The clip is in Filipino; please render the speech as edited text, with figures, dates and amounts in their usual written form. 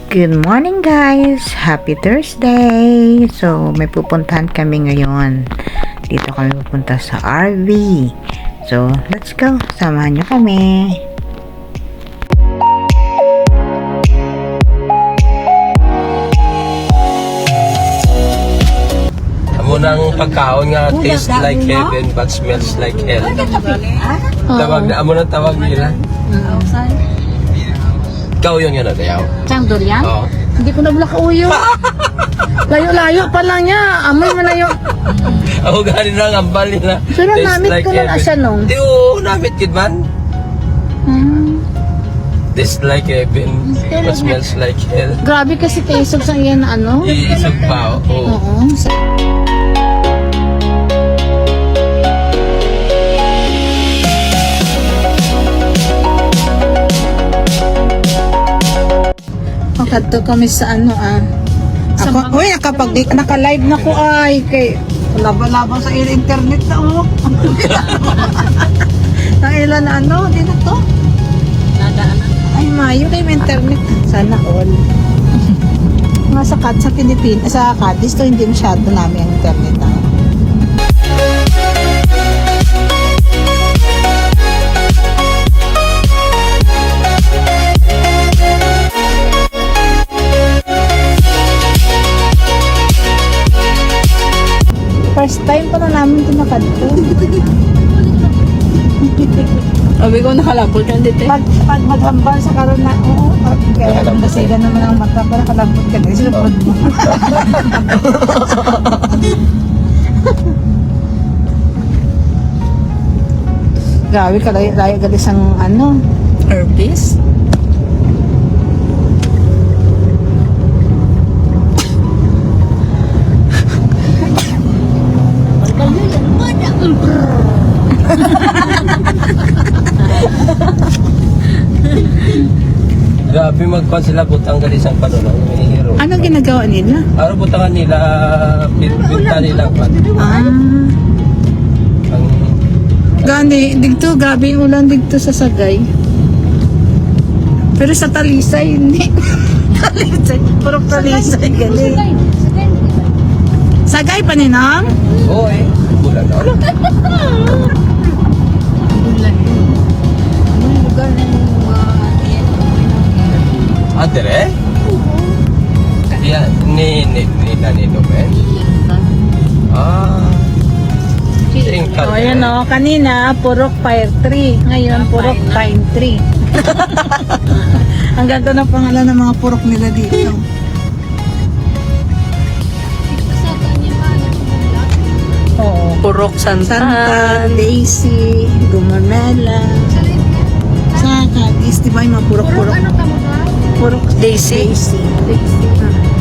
Good morning guys! Happy Thursday! So, may pupuntahan kami ngayon. Dito kami pupunta sa RV. So, let's go! Samahan nyo kami! Munang pagkaon nga taste like heaven but smells like hell. Tawag na amo nang tawag nila. Ikaw yun yun tayaw. Chang durian? Oo. Hindi ko nabla kauyo. Layo-layo pa lang niya. Amoy mo na yung... Ako galing lang ang ambal nila. Pero namit ko lang asya nung. Di namit kid man. Taste like heaven but smells like hell. Grabe kasi taisog sa iyan na ano. Iisog pa oo. Oo. Kadto kami sa ano Ako, uy, naka-live na ko ay kay laban-laban sa internet na Ang ilan na ano, dito to? Ay, mayo kay may internet. Sana all. Mga sa Pilipinas, sa Cadiz to hindi masyado namin ang internet na. First time pa na namin ito nakadto. Sabi ko nakalapot ka dito. Pag maghambal sa karon na, oo, kaya nasiga naman ang mata para kalambot ka na. Silapod mo. Grabe ka, layo galis ang ano. Herpes? Grabe magpan sila butang gali sang panulong ni hero. Ano ginagawa nila? Araw butangan nila pinta nila pa. Ang Gani, digto, grabe yung ulan digto sa Sagay. Pero sa Talisay, hindi. Talisay, puro Talisay, gali. Sagay pa ninang? oy, bulan na. Adere? Yan, ni Danilo Ben. Tingkal. O, yan o. Kanina, purok fire tree. Ngayon, purok pine tree. Ang ganda ng pangalan ng mga purok nila dito. Oo. Purok Santa, Santan. Daisy, Gumamela. Sa Cadiz, di ba yung mga purok-purok? Purok Daisy. Daisy.